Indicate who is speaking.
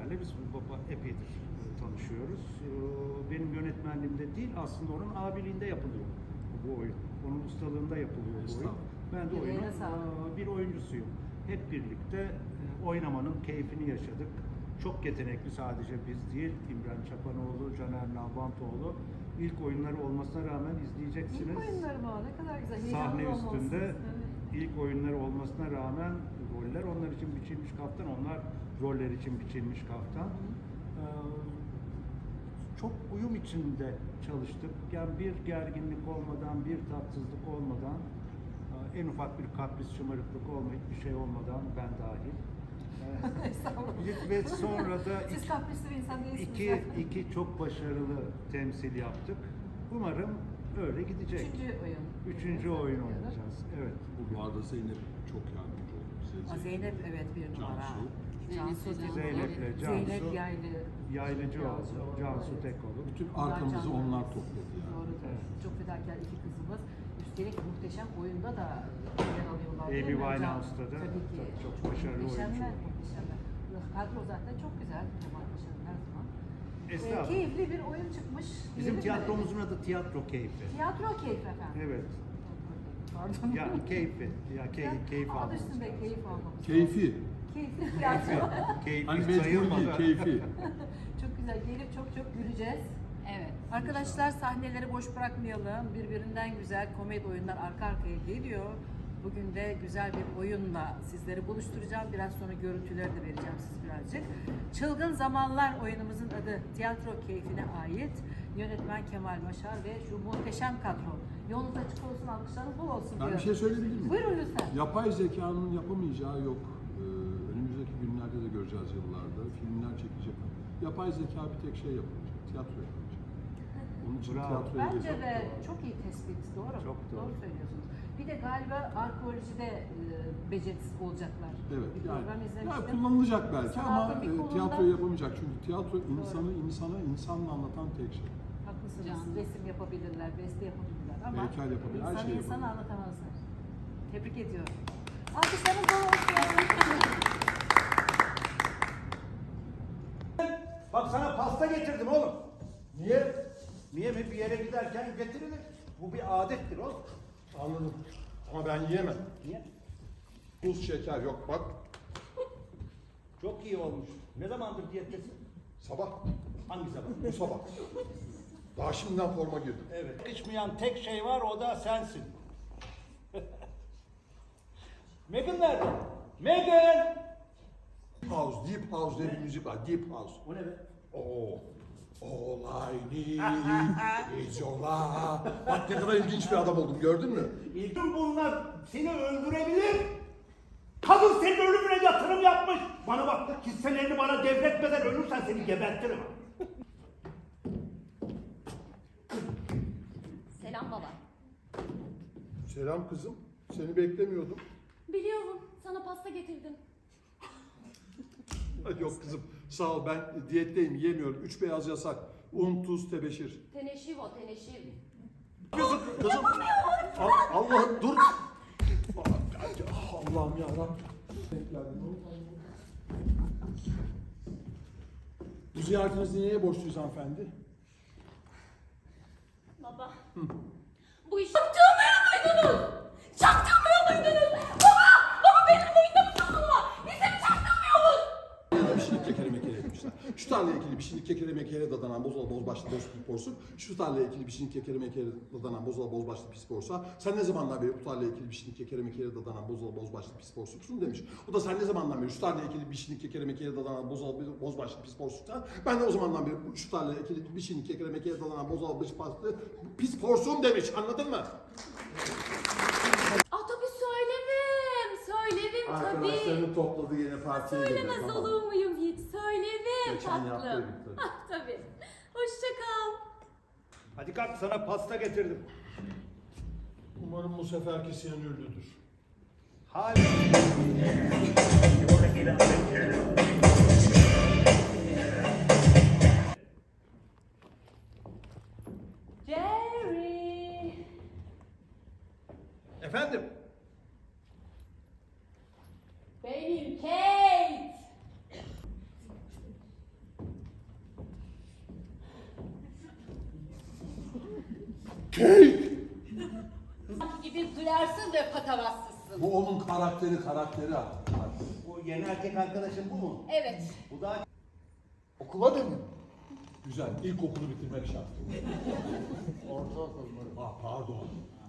Speaker 1: Caner'le biz baba epeydir tanışıyoruz. Benim yönetmenliğimde değil, aslında onun abiliğinde yapılıyor bu oyun. Onun ustalığında yapılıyor bu oyun. Ben de oyunun bir oyuncusuyum. Hep birlikte oynamanın keyfini yaşadık. Çok yetenekli sadece biz değil, İmran Çapanoğlu, Caner Nalbantoğlu. İlk oyunları olmasına rağmen izleyeceksiniz.
Speaker 2: İlk oyunları mı? Ne kadar güzel.
Speaker 1: Sahne üstünde ilk oyunları olmasına rağmen roller onlar için biçilmiş kaftan, onlar roller için biçilmiş kaftan. Çok uyum içinde çalıştık. Yani bir gerginlik olmadan, bir tatsızlık olmadan, en ufak bir kapris, şımarıklık olmayıp bir şey olmadan ben dahil. Ve sonra da
Speaker 2: siz kaprisli bir insan değilsiniz.
Speaker 1: iki çok başarılı temsil yaptık. Umarım öyle gidecek. Üçüncü oyun oynayacağız. Evet.
Speaker 3: Bu arada Zeynep çok yardımcı oldu bize.
Speaker 2: Zeynep evet bir numara.
Speaker 1: Zeynep'le
Speaker 2: Zeynep
Speaker 1: Yaylıcı oldu. Cansu Tekoğlu.
Speaker 3: Bütün arkamızı onlar topladı yani.
Speaker 2: Doğrudur. Evet. Çok fedakar iki kızımız. Üstelik muhteşem oyunda da yer alıyorlar.
Speaker 1: Amy Winehouse'da da
Speaker 2: tabii ki.
Speaker 1: çok başarılı oyuncu.
Speaker 2: Muhteşemler. Kadro zaten çok güzel. Kemal Paşa'nın her zaman.
Speaker 1: Estağfurullah.
Speaker 2: Keyifli bir oyun çıkmış.
Speaker 1: Bizim tiyatromuzun adı Tiyatro Keyfi.
Speaker 2: Tiyatro keyfi efendim.
Speaker 1: Evet.
Speaker 2: Pardon.
Speaker 1: Yani keyfi. Ya keyif
Speaker 2: Adı
Speaker 1: almamız
Speaker 2: üstünde
Speaker 1: lazım.
Speaker 2: keyif almamız.
Speaker 3: Keyfi.
Speaker 2: Keyifli tiyatro.
Speaker 1: Keyfi
Speaker 3: Hani mecbur değil,
Speaker 1: sayılmadan.
Speaker 3: keyfi.
Speaker 2: Çok güzel. Gelip çok güleceğiz.
Speaker 4: Evet.
Speaker 2: Arkadaşlar sahneleri boş bırakmayalım. Birbirinden güzel komedi oyunlar arka arkaya geliyor. Bugün de güzel bir oyunla sizleri buluşturacağım. Biraz sonra görüntüleri de vereceğim siz birazcık. Çılgın Zamanlar oyunumuzun adı tiyatro keyfine ait. Yönetmen Kemal Başar ve şu muhteşem kadro. Yolunuz açık olsun, alkışlarınız bol olsun
Speaker 3: Ben
Speaker 2: diyorum.
Speaker 3: bir şey söyleyebilir miyim?
Speaker 2: Buyurun lütfen.
Speaker 3: Yapay zekanın yapamayacağı yok. Önümüzdeki günlerde de göreceğiz yıllarda. Filmler çekecek. Yapay zeka bir tek şey yapacak. Tiyatro yapacak. Onun için
Speaker 1: Bravo.
Speaker 3: tiyatroya
Speaker 2: Bence
Speaker 3: geçecek.
Speaker 2: de çok iyi tespit. Doğru.
Speaker 1: Çok doğru.
Speaker 2: Söylüyorsunuz. Bir de galiba arkeolojide becerisiz olacaklar.
Speaker 3: Evet,
Speaker 2: Bir program
Speaker 3: yani
Speaker 2: izlemiştim.
Speaker 3: kullanılacak belki
Speaker 2: Sanatın
Speaker 3: ama
Speaker 2: bir kolunda-
Speaker 3: tiyatro yapamayacak. Çünkü tiyatro insanla anlatan tek şey.
Speaker 2: Haklısınız.
Speaker 4: Canlı.
Speaker 2: Resim yapabilirler, beste yapabilirler ama
Speaker 3: Heykel yapabilir, her şey
Speaker 2: insanı
Speaker 3: yapabilir.
Speaker 2: anlatamazlar. Tebrik ediyorum. Alkışlarınız bol olsun.
Speaker 1: Bak sana pasta getirdim oğlum. Niye? Niye mi? Bir yere giderken getirilir. Bu bir adettir oğlum.
Speaker 5: Anladım. Ama ben yiyemem.
Speaker 1: Niye?
Speaker 5: Tuz, şeker yok bak.
Speaker 1: Çok iyi olmuş. Ne zamandır diyettesin?
Speaker 5: Sabah.
Speaker 1: Hangi zaman?
Speaker 5: Bu sabah. Daha şimdiden forma girdim.
Speaker 1: Evet. Yakışmayan tek şey var, o da sensin. Megan nerede? Megan!
Speaker 5: House, Deep House diye bir müzik var. Deep House.
Speaker 1: O ne be?
Speaker 5: Oo. All I need is your love. Bak ne kadar ilginç bir adam oldum, gördün mü?
Speaker 1: Tüm bunlar seni öldürebilir. Kadın senin ölümüne yatırım yapmış. Bana bak, hisselerini bana devretmeden ölürsen seni gebertirim.
Speaker 4: Selam baba.
Speaker 5: Selam kızım. Seni beklemiyordum.
Speaker 4: Biliyorum, sana pasta getirdim.
Speaker 5: Ay yok kızım, sağ ol, ben diyetteyim, yiyemiyorum. 3 beyaz yasak. Un, tuz, tebeşir.
Speaker 4: Teneşir o, teneşir.
Speaker 5: Kızım. Allah'ım dur. Allah'ım yarabbim. Bu ziyaretinizi neye borçluyuz hanımefendi?
Speaker 4: Baba. Bu işi çaktırmıyor muydunuz? Çaktırmıyor muydunuz? Baba! Baba benim oyunda mı sakınma? Bize mi çaktırmıyorsunuz?
Speaker 5: Bir şeylik kekere mekere etmişler. Şu tarlaya ekili bir şeylik kekere mekere dadanan bozola bozbaşlı boz pis porsun. Şu tarlaya ekili bir şeylik kekere mekere dadanan bozola bozbaşlı pis porsa. Sen ne zamandan beri bu tarlaya ekili bir şeylik kekere mekere dadanan bozola bozbaşlı pis porsusun demiş. O da sen ne zamandan beri şu tarlaya ekili bir şeylik kekere mekere dadanan bozola bozbaşlı pis porsun. Ben de o zamandan beri şu tarlaya ekili bir şeylik kekere mekere dadanan bozola bozbaşlı pis porsun demiş. Anladın mı?
Speaker 4: Ah tabii söylerim tabii.
Speaker 5: Arkadaşlarını topladı yine partiye geldi.
Speaker 4: Söylemez olur muyum hiç? Söylerim
Speaker 5: Geçen
Speaker 4: tatlım.
Speaker 5: yaptıydık tabii.
Speaker 4: Ah tabii. Hoşça kal.
Speaker 1: Hadi kalk, sana pasta getirdim.
Speaker 5: Umarım bu seferki siyanürlüdür.
Speaker 1: Hala.
Speaker 2: Jerry.
Speaker 1: Efendim?
Speaker 4: Benim Kate.
Speaker 5: Kek!
Speaker 4: gibi duyarsın ve patavatsızsın.
Speaker 3: Bu onun karakteri.
Speaker 6: Bu yeni erkek arkadaşın bu mu?
Speaker 4: Evet.
Speaker 6: Bu da okula da mı?
Speaker 3: Güzel. İlkokulu bitirmek şart.
Speaker 6: Ortaokul mu?
Speaker 3: Pardon.